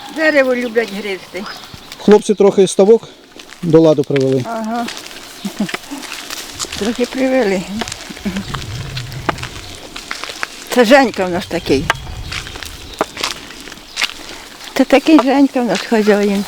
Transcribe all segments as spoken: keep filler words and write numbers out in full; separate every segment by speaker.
Speaker 1: Дерево люблять гризти.
Speaker 2: Хлопці трохи ставок до ладу привели.
Speaker 1: Ага. Трохи привели. Це Женька в нас такий. Це такий Женька в нас хазяїн.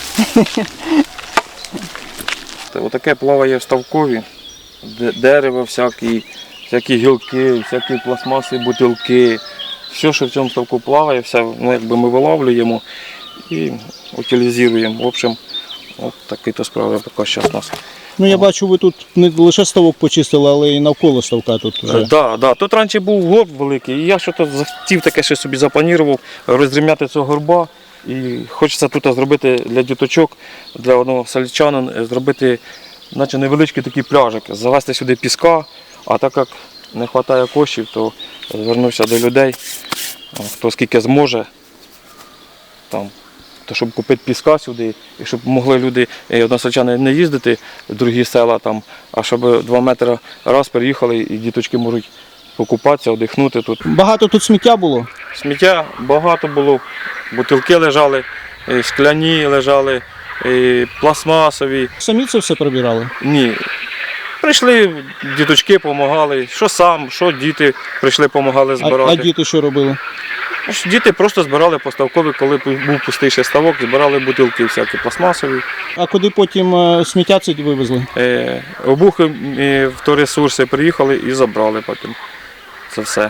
Speaker 3: Отаке плаває в ставкові, дерево, всякі, всякі гілки, всякі пластмаси, бутилки. Все, що в цьому ставку плаває, все, ну, якби ми виловлюємо і утилізуємо. В общем, от такі то справи поки зараз у нас.
Speaker 2: Ну я бачу, ви тут не лише ставок почистили, але й навколо ставка тут вже.
Speaker 3: Так, да, да. Тут раніше був горб великий, і я щось захотів таке ще собі запланував, розрівняти цього горба. І хочеться тут зробити для діточок, для одного сельчанина, зробити наче невеличкий такий пляжик, завести сюди піска, а так як не вистачає коштів, то звернувся до людей, хто скільки зможе, там, то щоб купити піска сюди, і щоб могли люди, односельчани, не їздити в другі села, там, а щоб два метри раз переїхали і діточки можуть покупатися, одихнути тут.
Speaker 2: Багато тут сміття було?
Speaker 3: Сміття багато було, бутилки лежали, скляні лежали, пластмасові.
Speaker 2: Самі це все прибирали?
Speaker 3: Ні. Прийшли, діточки допомагали, що сам, що діти прийшли, допомагали збирати.
Speaker 2: А, а діти що робили?
Speaker 3: Діти просто збирали по ставкові, коли був пустий ще ставок, збирали бутилки всякі пластмасові.
Speaker 2: А куди потім сміття це вивезли?
Speaker 3: Е, обухи в Торресурси приїхали і забрали потім це все.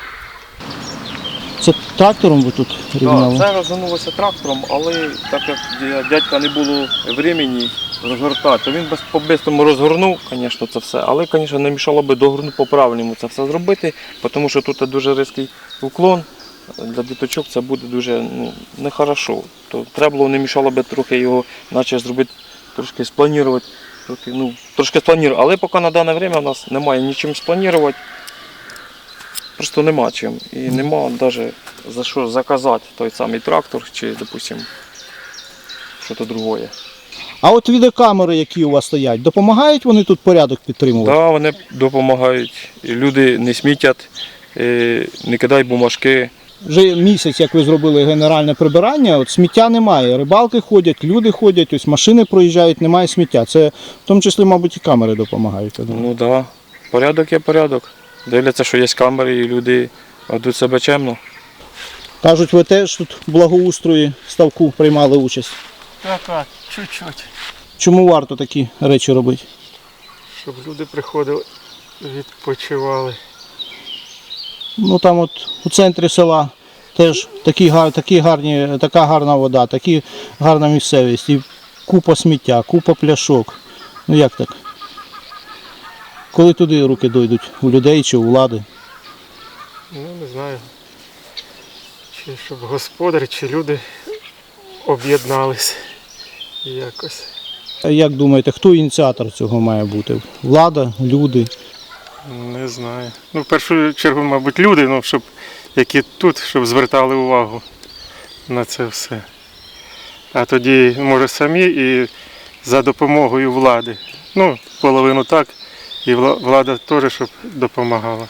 Speaker 2: Це трактором ви тут рівняли?
Speaker 3: Так, це розгонулося трактором, але так як дядька не було времени розгортати, то він по-бистрому розгорнув, звісно, це все, але, звісно, не мішало би догорнути по-правильному це все зробити, тому що тут дуже різкий уклон, для діточок це буде дуже ну, нехорошо. То треба було, не мішало би трохи його, наче зробити, трошки спланувати, трохи, ну, трошки спланувати, але поки на дане час у нас немає нічим спланувати. Просто нема чим. І нема навіть за що заказати той самий трактор чи, допустимо, щось друге.
Speaker 2: А от відеокамери, які у вас стоять, допомагають вони тут порядок підтримувати?
Speaker 3: Так, да, вони допомагають. І люди не смітять, не кидають бумажки.
Speaker 2: Вже місяць, як ви зробили генеральне прибирання, от сміття немає. Рибалки ходять, люди ходять, ось машини проїжджають, немає сміття. Це в тому числі, мабуть, і камери допомагають.
Speaker 3: Ну так, да. Порядок є порядок. Дивляться, що є камери і люди ведуть себе чемно.
Speaker 2: Кажуть, ви теж тут в благоустрої ставку приймали участь.
Speaker 4: Так, так, чуть-чуть.
Speaker 2: Чому варто такі речі робити?
Speaker 4: Щоб люди приходили, відпочивали.
Speaker 2: Ну там от у центрі села теж такі, такі гарні, така гарна вода, такі гарна місцевість. І купа сміття, купа пляшок. Ну як так? Коли туди руки дойдуть? У людей чи у влади?
Speaker 4: Ну, не знаю. Чи щоб господарі, чи люди об'єднались якось.
Speaker 2: А як думаєте, хто ініціатор цього має бути? Влада, люди?
Speaker 4: Не знаю. Ну, в першу чергу, мабуть, люди, ну, щоб, які тут, щоб звертали увагу на це все. А тоді, може, самі і за допомогою влади. Ну, половину так. І влада теж, щоб допомагала.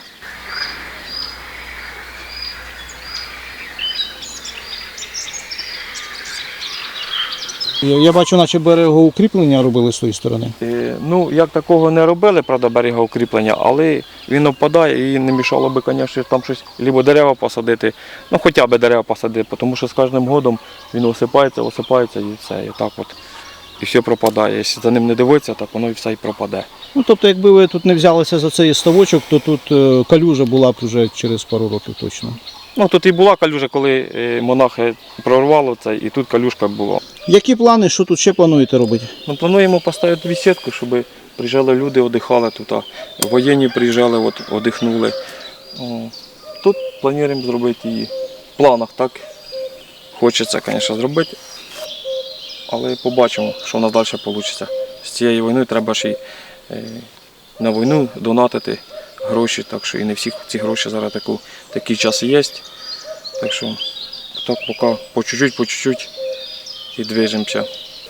Speaker 2: Я бачу, наче берегоукріплення робили з тої сторони.
Speaker 3: Е, ну, як такого не робили, правда, берегоукріплення, але він опадає і не мішало би, звісно, там щось, або дерева посадити, ну хоча б дерева посадити, тому що з кожним годом він осипається, осипається і все, і так от. І все пропадає. Якщо за ним не дивитися, так воно і все і пропаде.
Speaker 2: Ну, тобто, якби ви тут не взялися за цей ставочок, то тут калюжа була б вже через пару років точно.
Speaker 3: Ну, тут і була калюжа, коли монахи прорвало це, і тут калюжка була.
Speaker 2: Які плани, що тут ще плануєте робити?
Speaker 3: Ну, плануємо поставити бесідку, щоб приїжджали люди, віддихали тут. Воєнні приїжджали, от, віддихнули. Тут плануємо зробити її. В планах так. Хочеться, звісно, зробити. Але побачимо, що в нас далі вийде. З цією війною треба ж і на війну донатити гроші, так що і не всі ці гроші зараз таку, такий час є. Так що так поки по чуть-чуть, по чуть-чуть і движемося.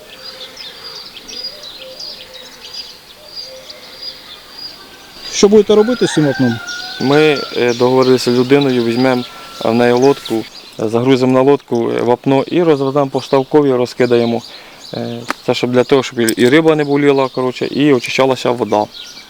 Speaker 2: Що будете робити з цим окном?
Speaker 3: Ми договорилися з людиною, візьмемо в неї лодку загрузимо на лодку вапно і розведемо по ставкові, розкидаємо. Це щоб для того, щоб і риба не боліла, коротше, і очищалася вода.